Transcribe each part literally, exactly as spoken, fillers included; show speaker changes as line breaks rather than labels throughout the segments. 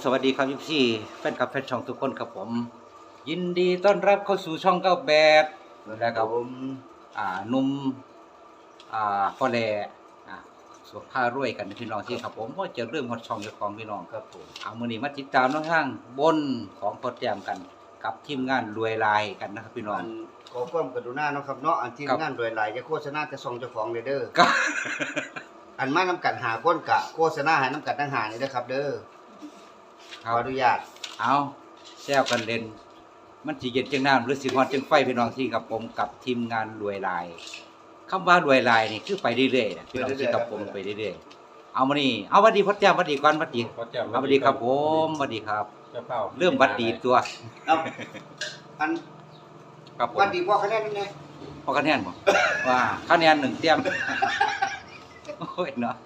สวัสดีครับพี่พี่แฟนคลับแฟนช่องทุกคนครับผมยินดีต้อนรับเข้าสู่ช่องเก้าแปดนะครับผมอ่าหนุ่มอ่าพ่อแหล่อ่าสุภาพรวยกันพี่น้องที่ครับผมก็จะเริ่มฮอดช่องเจ้าของพี่น้องครับผมเอามื้อนี้มาติดตามน้องทางบนของพอแจมกันกับทีมงานรวยลายกันนะครับพี่น้อง
อันขอความกรุณาเนาะครับเนาะอันที่
ครับ
งานโดยหลายจะโฆษณาแต่ซองเจ้าของเลยเด้อ
ก็
อันมานํกันหาคนกะโฆษณาให้นํกันทั้งหานี่เด้อครับ เด้อ
ค
ข
รั
อบ อนุญาต
เอาแซวกันเล่นมันสิเย็นจังน้ำหรือสิฮอดจังไฟพี่น้องที่กับผมกับทีมงานรวยลายคำว่ารวยลายนี่คือไปเรื่อยๆนะพี่น้องที่กับผมไปเรื่อยๆเอามานี่เอาหวัดดีพ่อแจ้มหวัดดีก่อนหวัดดี
พ่อแจ่ม
เอาหวัดดีครับผมหวัดดีครับ
เจ้าเป้า
เริ่มหวัดดีตัว
เอาอัน
ครับผม
วันดีพ่อคะแนนนี่ไง
พอคะแนนบ่ว่าคะแนนหนึ่งเต็มโอ้ยเนาะ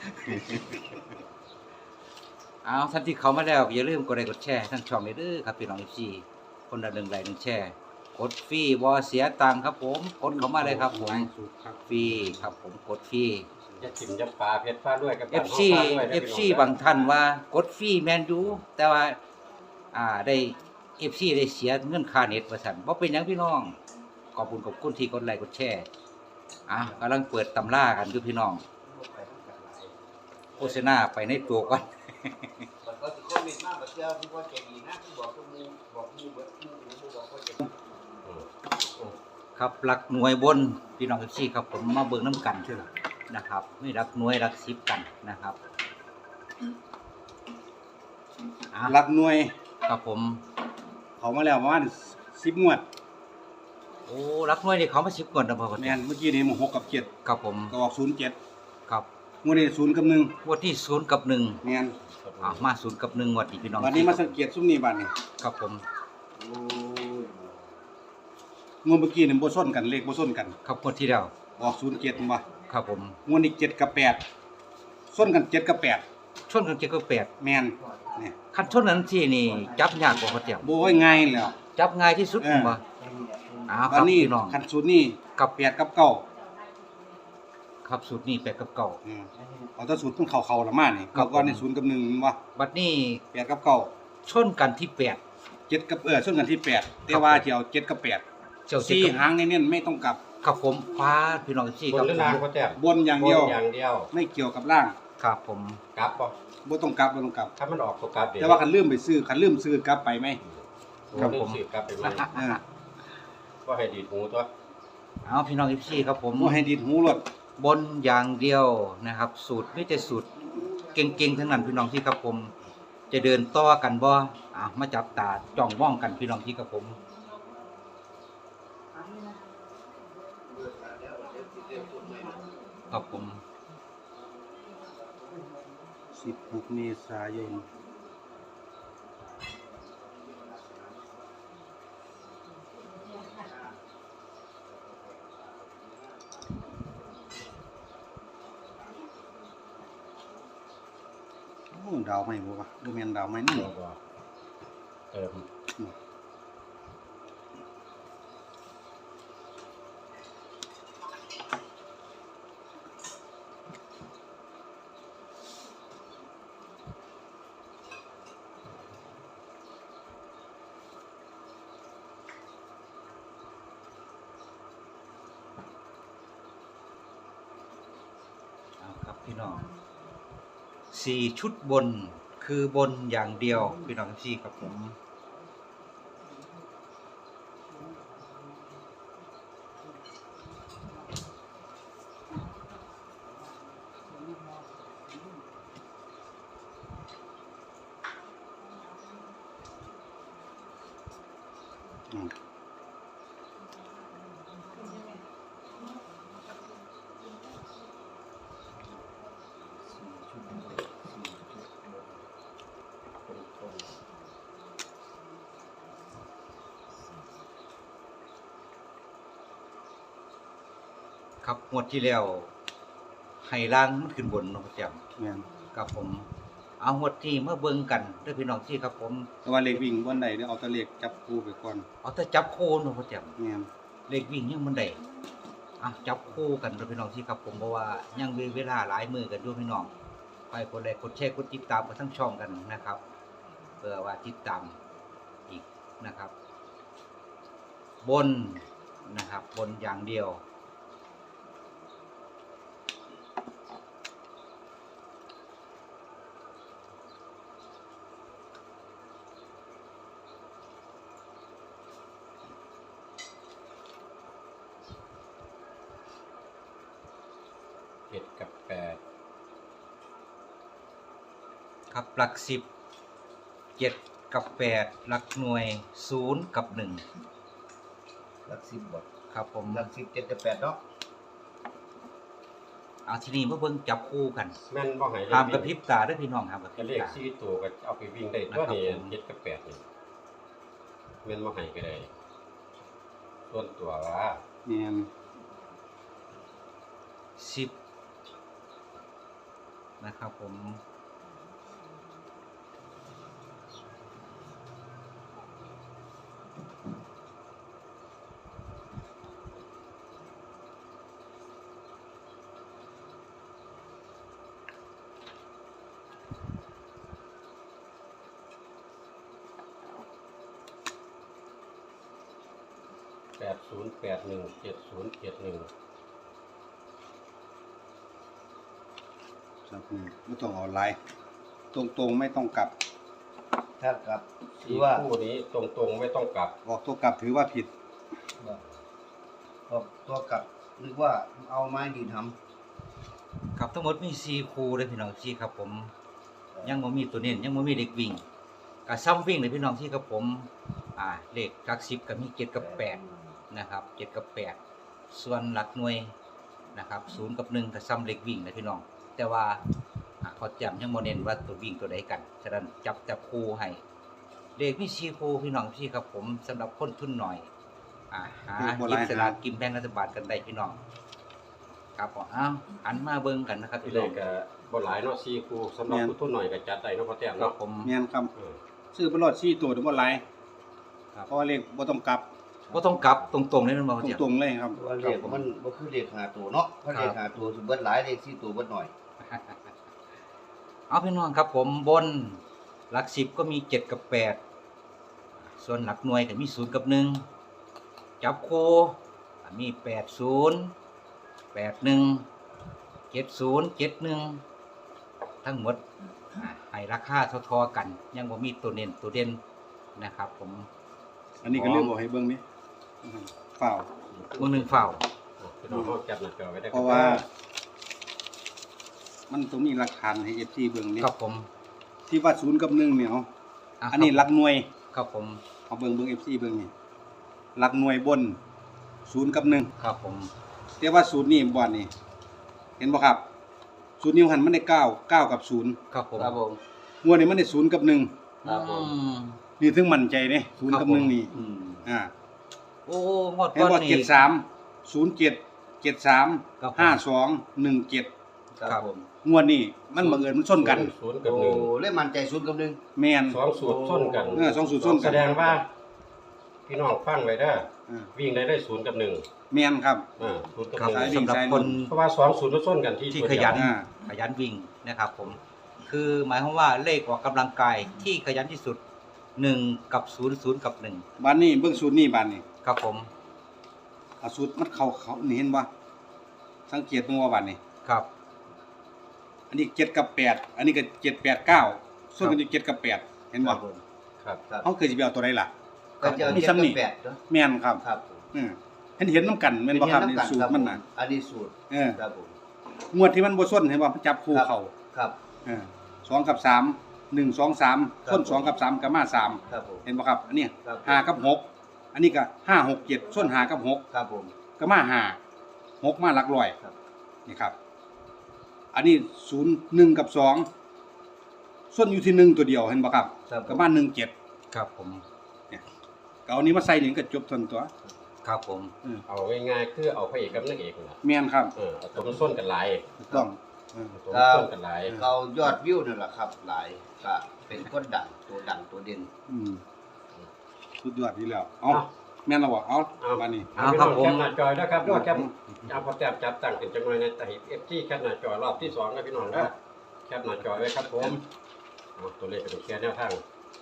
เอาท่านที่เขามาแล้วอย่าลืมกดไลค์กดแชร์ทั้งช่องเลยเด้อครับพี่น้อง เอฟ ซี คนละหนึ่งไลค์หนึ่งแชร์กดฟรีบ่เสียตังค์ครับผมกดเข้ามาเลยครับผมฟรีครับผมกดฟรี
จะจิ้มจะปลาเพชรฟ้าด้วยกับ
เอฟ ซี เอฟ ซี บางท่านว่ากดฟรีแม่นอยู่แต่ว่าอ่าได้ เอฟ ซี ได้เสียเงินค่าเน็ตว่าซั่นบ่เป็นหยังพี่น้องขอบคุณขอบคุณที่กดไลค์กดแชร์อ่ะกำลังเปิดตำรากันอยู่พี่น้องโฆษณาไปในตัวก่อน
มันก็สิโควิดมากบ่เชื่อพี่พ่อใจดีนะที่บอกทุกหมู่บอกหมู่เบิดหมู่หมู่บอกพ่อใจดี
ครับหลักหน่วยบนพี่น้องเอฟซีครับผมมาเบิ่งน้ำกันนะครับไม่รักหน่วยรักสิบกันนะครับอ่ะ
หลักหน่วย
ครับผม
เขามาแล้วประมาณสิบงวด
โอ้รักหน่วยนี่เขามาสิบก่อนนะพ่อ
แม่นเมื่อกี้นี่มันหกกับเจ็ด
ครับผม
ก็ออกศูนย์เจ็ด
ครับ
งวดนี้ศูนย์กับหนึ่ง
งวดที่ศูนย์กับหนึ่ง
แม่น
อ่ะมาศูนย์กับหนึ่งงวดนี้พี่น้อง
วันนี้มาสังเกตซุ้มนี้บัดนี้
ครับผม
โอ้ยงวดเมื่อกี้นี่บ่ซ้นกันเลขบ่ซ้นกัน
ครับงวดที่แล้ว
ออกศูนย์เจ็ดบ่
ครับผม
งวดนี้เจ็ดกับแปดซ้นกันเจ็ดกับแปด
ชนกันเจ็ดกับแปด
แม่นนี่
คันชนนั้นที่นี่จับยากกว่าเขาเจียว
โบ่ยง่ายแล้ว
จับง่ายที่สุด
เออ
บ่อ้าวค
วั
รับ
นนี้
พี่น้อง
คันศูนย์นี่
กับ
แปดกับเก้า
ครับสูตรนี้แปดกับเก้า
อืมเอาแต่ศูนย์ต้องเข้าๆละมานี่
ครับ
ก่อนนี่
ผม
ศูนย์กับหนึ่งบ่
บัดนี้
แปดกับเก้า
ชนกันที่แปด
เจ็ดกับเออซ้นกันที่แปดแต่ว่าสิเอาเจ็ดกับแปด
เจ้าเจ็ด
สี่
กับ
หางเน้นๆไม่ต้องกลับ
ครับผมฟ้าพี่น้องที่
บ
คน รับ
หรือ
ผม
ล่างพ่อแจ่ม
บนอย่างเดียว
บนอย่างเดียว
ไม่เกี่ยวกับล่าง
ครับผม
กลับป่ะ
บ่ต้องกลับบ่ต้องกลับ
ถ้ามันออกตัวกลับเดี๋ยว
แต่ว่าคันลืมไปซื้อคันลืมซื้อกลับไปไหม
ครับผมสืบกลับไปไหม
เออ
ก็ให้ดีดหูตัว
เอาพี่น้องที่ครับผม
บ่ให้ดีดหูรถ
บนอย่างเดียวนะครับ สูตรไม่แต่สูตรเก่งๆทั้งนั้นพี่น้องที่ครับผม จะเดินต่อกันบ่อ่ะมาจับตาจ้องมองกันพี่น้องที่ครับผมครับผม
สิบหกเมษายนโอ้ดาวไหมบ่วะบ่แม่นดาวไหมนี่
แล้วก็เติม
เอาครับพี่น้องสี่ชุดบนคือบนอย่างเดียวพี่น้องที่ครับผม
อืม
ครับงวดที่แล้วให้ล่างมันขึ้นบนเนาะพ่อแจ่ม
แม่น
ครับผมเอางวดที่มาเบิ่งกันเด้อพี่น้องที่ครับผม
แต่ว่าเลขวิ่งบ่ได้เด้อเอาแต่เลขจับคู่ไปก่อน
เอาแต่จับคู่เนาะพ่อแจ่ม
แม่น
เลขวิ่งยังมันได้อ่ะจับคู่กันเด้อพี่น้องที่ครับผมเพราะว่ายังมีเวลาหลายมือกันอยู่พี่น้องไปกดไลค์กดแชร์กดติดตามกันทั้งช่องกันนะครับเพื่อว่าติดตามอีกนะครับ บนนะครับบนอย่างเดียว
เจ็ดกับแปด
ครับหลักสิบเจ็ดกับแปดหลักหน่วยศูนย์กับหนึ่ง
หลักสิบบ่
ครับผม
หลักสิบเจ็ดกับแปดเนาะ
เอาทีนี้มาเบิ่งจับคู่กัน
แม่นบ่ให้เล
ห้าม
ข
กระพริบตาด้วยพี่น้องห้ามกระพ
ก็
ริบ
เลข
ตา
สี่ตัวก็เอาไปวิ่งได้ตัวนี้เจ็ดกับแปดนี่แม่นบ่ให้ก็ได้ส่วนตัวว่า
แม่น
สิบนะครับผม
แปดศูนย์แปดหนึ่งเจ็ดศูนย์เจ็ดหนึ่ง
ครับอืมไม่ต้องเอาหลายตรงๆไม่ต้องกลับ
ถ้ากลับถื
สี่
อว่า
คู่นี้ตรงๆไม่ต้องกลับ
ออกตัวกลับถือว่าผิด
ก็ตัวกลับนึกว่าเอาไม้ดีท
ครับทั้งหมดมีสี่คู่เลยพี่น้องที่ครับผม ยังบ่มีตัวเน้นยังบ่มีเด็กวิ่งกับซ้ำวิ่งเลยพี่น้องที่ครับผมอ่าเลขหลักสิบก็มีเจ็ดกับแปดนะครับเจ็ดกับแปดส่วนหลักหน่วยนะครับศูนย์กับหนึ่งก็ซ้ำเลขวิ่งเลยพี่น้องแต่ว่าอ่าพอจำยังบ่เน้นว่าตัววิ่งตัวใดกันฉะนั้นจับจับคู่ให้เลขมีสี่คู่พี่น้องที่ครับผมสำหรับคนทุนหน่อยอ่าหาหยิบสลากกินแบ่งรัฐบาลกันได้พี่น้องครับผมอ้าวหันมาเบิ่งกันนะครับ
ที่
พี่
เล
น้อ
ข
ง
ก็บ่หลายเนาะสี่คู่สำหรับผู้ทุนหน่อยก็จัดได้เนาะพอแต้ม
ครั
เนาะ
บผม
แม่นครับ
เออ
ซื้อไปรอดสี่ตัวเดี๋ยวบ่หลาย
ครับ
เพราะว่าเลขบ่ต้องกลับ
บ่ต้องกลับตรงๆเลยมันบ่เจีย
ตรงๆเลยครับ
ำว่าเลขมันบ่คือเลขหาตัวเนาะเพราะเลขหาตัวสิเบิดหลายเลขสี่ตัวเบิดหน่อย
เอาพี่น้องครับผมบนหลักสิบก็มีเจ็ดกับแปดส่วนหลักหน่วยก็มีศูนย์กับหนึ่งจับคู่มีแปดศูนย์แปดหนึ่งเจ็ดศูนย์เจ็ดหนึ่งทั้งหมดอ่าให้ราคาเท่าๆกัน ยังบ่มีตัวเน้นตัวเด่นนะครับผม
อันนี้ก็เรื่องบอกให้เบิ่งนี่เปล่า
มือหนึ่งเฝ้า
อ่ะพี่น้องเขาจับหน้าจอไว้ได้
เพราะว่า มันต้องมีหลักฐานให้ เอฟ ซี เบิ่งนี่
ครับผม
ที่ว่าศูนย์กับหนึ่งเนี่ยเอา
ะ
อันนี้หลักหน่วย
ครับผม
เอาเบิ่งเบิ่ง เอฟ ซี เบิ่งนี่หลักหน่วยบนศูนย์กับหนึ่ง
ครับผม
แต่ว่าศูนย์นี่บ่นี่เห็นบ่ครับศูนย์นิ้วหันมันได้เก้าเก้ากับศูนย์
ครับผม
ครับผม
งวดนี้มันได้ศูนย์กับหนึ่ง
ครับผม
อืม
นี่ถึงมั่นใจเด้ศูนย์กับหนึ่งนี่
อืม
อ่า
โอ้งวด
เห็น
ก่อน
บ่
นี่
เจ็ดสาม ศูนย์เจ็ด เจ็ดสาม
ครับผม
ห้าสอง หนึ่งเจ็ด
ครับผม
งวดนี้มันบังเอิญมันชนกัน
ศูนย์กับ
โอ้
หนึ่ง
เล่นมันใจศูนย์กับหนึ่ง
แม่น
สองสูตรส้นกัน
เออสองสูตรส้นกัน
แสดงว่า พี่น้องฟังไว้เด้อ
อ่า
วิ่งได้ได้ศูนย์กับหนึ่ง
แม่นครับ
อ่าศูนย์กับ
ครับ
หนึ่ง
สายวิ่ง
สำหรับ
สาย
คน
ลง
เพราะว่าสองศูนย์มันส้นกันที่
ที่
ตัว
ข
เดีว
ยัน
อ่า
ขยันวิ่งนะครับผม คือหมายความว่าเลขออกกำลังกายที่ขยันที่สุดหนึ่งกับศูนย์ศูนย์กับหนึ่ง
บ้านนี้เบิ่งสูตรนี้บ้านนี้
ครับผม
เอาสูตรมันเข้าเขานี่เห็นบ่สังเกตเบิ่งว่าบ้านนี้
ครับ
อันนี้เจ็ดกับแปดอันนี้ก็เจ็ด แปด เก้าส่วนกันอยู่เจ็ดกับแปดเห็นบ่
ผม
ครับ
ครับ
เฮาเคยสิไปเอาตัวใดล่ะ
ก็จะเอา
มี
เจ็ด
ซ้ำนี่
กับแปดเนาะ
แม่นครับ
ครับผม
เออเห็นเห็นนํกันแม่นบ่ครับ
เป็
นี่
เยำกั
สูตรมันน่ะ
ครับผอันนี้สูตร
เออ
ครับผม
งวดที่มันบ่ส้นเห็นบ่มันจับคู่เข้า
ครับ
เออสองกับสามหนึ่ง สอง สาม
ครับ
ส้นสองกับสามก็มาสาม
ครับผม
เห็นบ่ครับ อันนี้
ครับ
ห้ากับหกอันนี้ก็ห้า หก เจ็ดส้นห้ากับหก
ครับผม
ก็มาห้า หกมาหลักร้อย
ครับ
นี่ครับ อันนี้ศูนย์ หนึ่งกับสองส้นอยู่ที่หนึ่งตัวเดียวเห็นบ่ครับ
ครับผ
ก็
ม
มาหนึ่ง เจ็ด
ครับผม
ก็เอานี้มาใส่นี่ก็จบทันตัว
ครับผม
เออ
เอาง่ายๆคือเอาพระเอกกับนางเอกนั่นล่ะ
แม่นครับ
เออเอาตัวมันส้นกันหลาย
ถูกต้องเออ
เอาตัวมันส้นกันหลาย
เรายอดวิวนั่นแหละครับ หลายก็เป็นคนดังตัวดังตัวเด่น
อืมสุดยอดดีแล้ว เอาแม่นแล้วบ่เอา
เอา
บาดนี้
เอาพี่น้องแคปหน้าจอยนะครับด้วยแคปเอาพอแต้มจับตั้งเป็นจังหน่อยในแต่เอฟซีแคปหน้าจอรอบที่สองนะพี่น้องนะแคปหน้าจอไว้ครับผมเอาตัวเลขเป็นแค่แนวทาง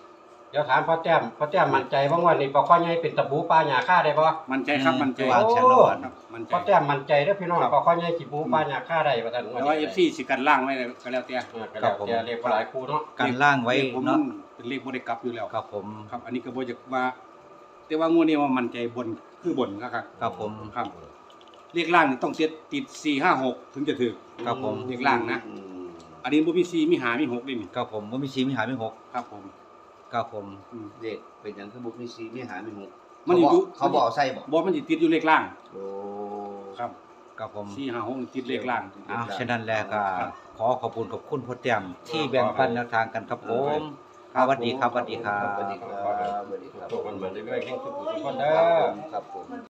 เดี๋ยวถามพ่อแต้มพ่อแต้มมั่นใจบ่ว่านี่ปลาข้อใหญ่เป็นตะบูปลาหญ้าค่าได้บ่
มันใจครับมันใจ
วางแชนโล
ครับมันใจ
พ่อแต้มมั่นใจเด้อพี่น้องปลาข้อใหญ่สิบูปลาหญ้าค่าได้ว่าซั่น
แต่ว่า เอฟ ซี สิกันล่างไว้ก็แล้วแต่
เออก็แล้วแต่เรียกว่าหลายคู่เนาะ
กันล่างไว้
เลขผม
เนาะ
เป็นเลขบ่ได้กลับอยู่แล้ว
ครับผม
ครับ อันนี้ก็บ่อยากว่า แต่ว่างวดนี้ว่ามันใจบนคือบนครับ
ครับผม
ครับ เลขล่างนี่ต้องเซตติดสี่ ห้า หกถึงจะถึก
ครับผม
เลขล่างนะ
อืม
อันนี้บ่มีสี่มีห้ามีหกด้วยนี่
ครับผมบ่มีชีมีหามีหก
ครับผม
ครับผม
อืม
เด็กเป็นหยังคือบุกมีซีมีหามีหก
มัน
เขา
อยู่
บอกเขาบอกใส่บอก
บ่มันสิติดอยู่เลขล่าง
โอ้
ครับ
ครับผม
สี่ ห้า หกนี่ติดเลขล่าง
อ้าวฉะนั้นแล้วก็ขอขอบคุณขอบคุณพ่อแต้มที่แบ่งปันแนวทางกันครับผมสวัสดีครับสวัสดีครั
สวัส
บ
ดีครับสวัสดีครับ
ตัวมันเหมือนเรื่อยๆแข่งทุกคน
ค
เด้
รับ
อ
ผมครับผม